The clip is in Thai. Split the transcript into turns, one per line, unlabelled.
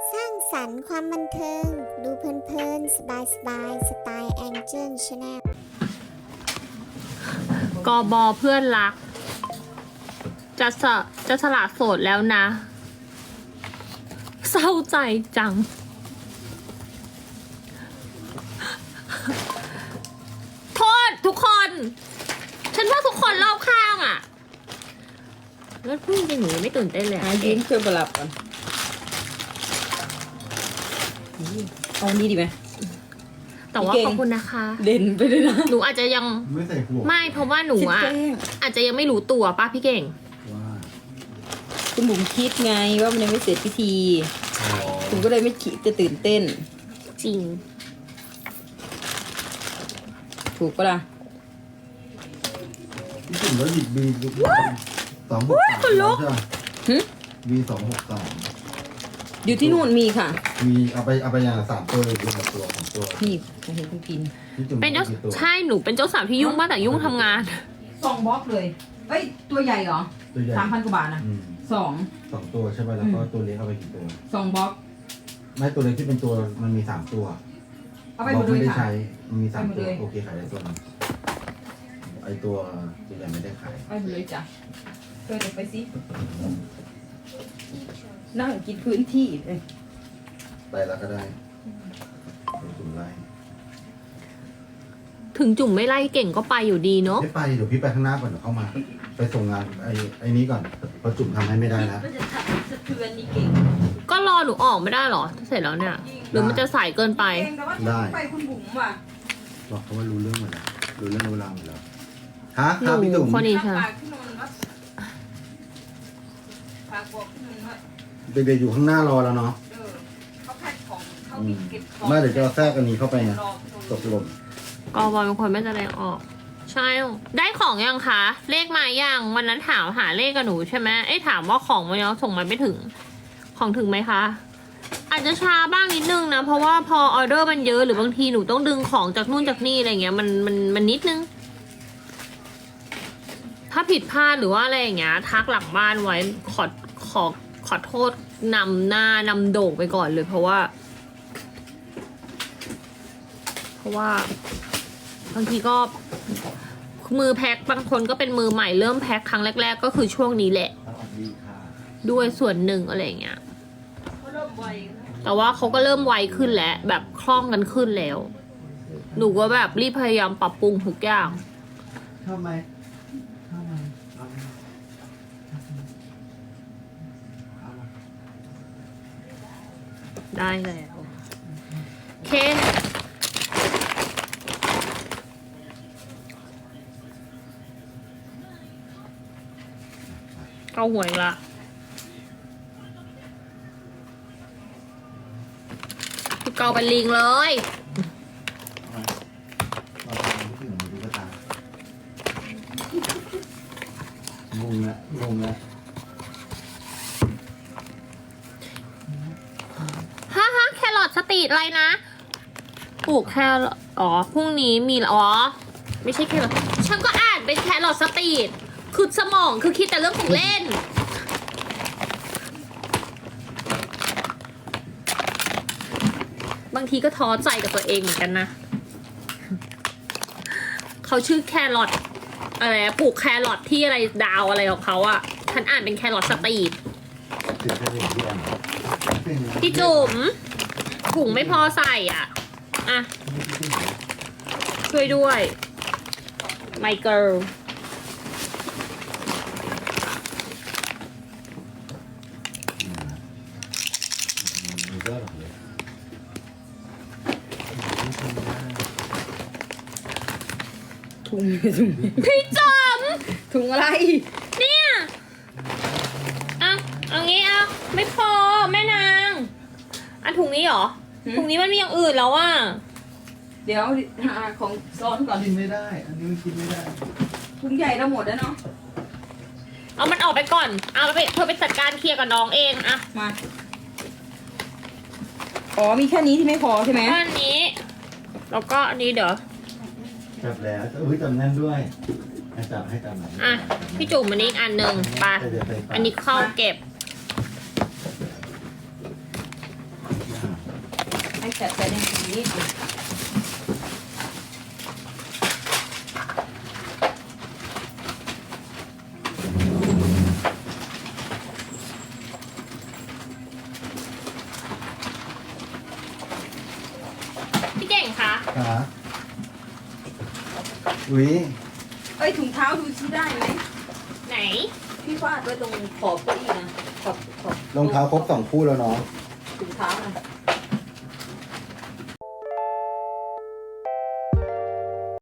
สร้างสรรค์ความบันเทิง ดูเพลินๆ สบายๆ สไตล์แองเจิลชาแนล
กบเพื่อนรัก จะสละโสดแล้วนะ เศร้าใจจัง โทษทุกคน ฉันว่าทุกคนรอบข้างอะแล้วพูดจริงๆหนูยังไม่ตื่นเต้นเลย
หายิ้มเพื่อประหลับกันเอานี้ดีไหม
แต่ว่าขอบคุณนะคะ
เด่นไปเลยนะ
หนูอาจจะยัง
ไม่ใส่หัว
ไม่เพราะว่าหนูอะ
คิดแกล้ง
อาจจะยังไม่รู้ตัวป้าพี่เก่ง
ว่า
คุณบุ๋มคิดไงว่ามันยังไม่เสร็จพิธี
อ๋อ
คุณก็เลยไม่คิดจะตื่นเต้น
จริง
ถูกปะล่ะ
พี่จุ่มแล้วหยิบบี263ใช่ไหม
หึ
บี263
อยู่ที่นู่นมีค่ะ
มีเอาไปอย่างละ3ตัวหรือ1ตัว2ตัว
นี่มาเห็นคุณกิน
พี่จุ่ม
เป็นเจ้า
กี่ตัว
ใช่หนูเป็นเจ้าสาวที่ยุ่งมากแต่ยุ่งทำงาน
2 บล็อกเลยเอ้ยตัวใหญ่เหรอ
ตัวใหญ่
3,000 กว่าบาทนะ
อืม
2
2ตัวใช่ไหมแล้วก็ตัวเล็กเอาไปกี่ตัว
บล็อก
ไม่ตัวเล็กที่เป็นตัวมันมี3ตัว
เอาไปหมดเลย
ไม่ได้
ค่ะ
ใช้มันมี
ไปหม
3
ด
ตัว
เลย
โอเคขายได้ตัวนึงไอตัวใหญ่ไม่ได้ขาย
ไปหมดเลยจ้ะเธอเดี๋ยวไปสินั่งกินพื้นที่เลย
ไปแล้วก็ได้เป็นจุ่มไล่
ถึงจุ่มไม่ไล่เก่งก็ไปอยู่ดีเนาะ
ไม่ไปเดี๋ยวพี่ไปข้างหน้าก่อนเดี๋ยวเข้ามา ไปส่งงานไอ้นี้ก่อนเพราะจุ่มทำให้ไม่ได้แล้ว
มันจะสะเทือนนี่เก่ง
ก็รอหนูออกไม่ได้เหรอถ้าเสร็จแล้วเนี่ย หรือมันจะสายเกินไป
เก่งแต่ว่า
ได้
ไปคุณบุ๋มว่ะ
บอกเขาว่ารู้เรื่องหมดแล้วรู้เรื่องรู้ราวหมดแล้วฮะ
ห
ครับพี่
นู
จุ๋ม
คนนี้
ฝา
ใช่
กขึ้นนอนว่าฝากบอกขึ้นนอนว่า
เด็กๆอยู่ข้างหน้ารอแล้วเนาะ
เขาแพ็คของเขามีเก็บของ
ไม่เดี๋ยวจะเอาแทรกอันนี้เข้าไปไง
รอ
ตกหล่น
กบเป็นคนไม่แสดงออก ใช่ ได้ของยังคะ เลขมายังวันนั้นถามหาเลขกับหนูใช่ไหมเอ้ยถามว่าของมันยังส่งมาไม่ถึง ของถึงไหมคะ อาจจะช้าบ้างนิดนึงนะ เพราะว่าพอออเดอร์มันเยอะหรือบางทีหนูต้องดึงของจากนู่นจากนี่อะไรเงี้ยมันนิดนึง ถ้าผิดพลาดหรือว่าอะไรอย่างเงี้ยทักหลังบ้านไว้ขอโทษนำหน้านำโด่งไปก่อนเลย เพราะว่าบางทีก็มือแพ็คบางคนก็เป็นมือใหม่เริ่มแพ็คครั้งแรกๆก็คือช่วงนี้แหละ
สวัสดีค่ะ
ด้วยส่วนหนึ่งอะไรอย่างเงี้ย
เขาเริ่มไว
แต่ว่าเขาก็เริ่มไวขึ้นแล้วแบบคล่องกันขึ้นแล้ว หนูก็แบบรีบพยายามปรับปรุงทุกอย่าง
ชอบไหมชอบไหมเอาไหมเอาไหม
ได้แล้วโอเคเอาหวยละพี่เกาเป็นลิงเลย
เราทำที่ถึงดูกระตางงแล้ว
ฮะแครอทสตรีทอะไรนะปลูกแครอทอ๋อพรุ่งนี้มีอ๋อไม่ใช่แครอทฉันก็อ่านเป็นแครอทสตรีทคือสมองคือคิดแต่เรื่องของเล่น บางทีก็ท้อใจกับตัวเองเหมือนกันนะ เขาชื่อแครอทอะไรปลูกแครอทที่อะไรดาวอะไรของเขาอะฉันอ่านเป็นแครอทสตรีท
ถึงแค่เห็นที่อัน
พี่จุ๋มถุงไม่พอใส่อ่ะ อ่ะ ช่วยด้วย my girl
มีก็หรอกเลย
ถุง
พี่จุ๋ม
ถุงอะไร
เนี่ย อ่ะเอางี้อ่ะ ไม่พอแม่นางอ่ะถุงนี้เหรอ ถุงนี้มันมีอย่างอื่นแล้วอ่ะ
เดี๋ยวหาของซ้อนก่อน
กินไม่ได้ อันนี้มันกินไม่ได้
ถุงใหญ่เราหมดแล้วเนาะ
เอามันออกไปก่อน เอาไปเธอไปจัดการเคลียร์กับน้องเองอะ
มาอ๋อมีแค่นี้ที่ไม่พอใช่ไหม
ก็อันนี้ แล้วก็อันนี้เดี๋ยว
จับแล้วอุ้ยจับแน่นด้วยให้จับหน่อย
อ่ะ พี่จุ๋มอันนี้อีกอันหนึ่งไป อันนี้เข้าเก็บ
แฉะใส่ในนี้
พี่เก่งคะ
ขาอุ้ย
เอ้ยถุงเท้าดูซิได้ไหม
ไหน
พี่ฟาดไว้ตรงขอบเก้าอี้นะขอบ
รองเท้าครบ2 คู่แล้วเนาะ
ถุงเท้านะ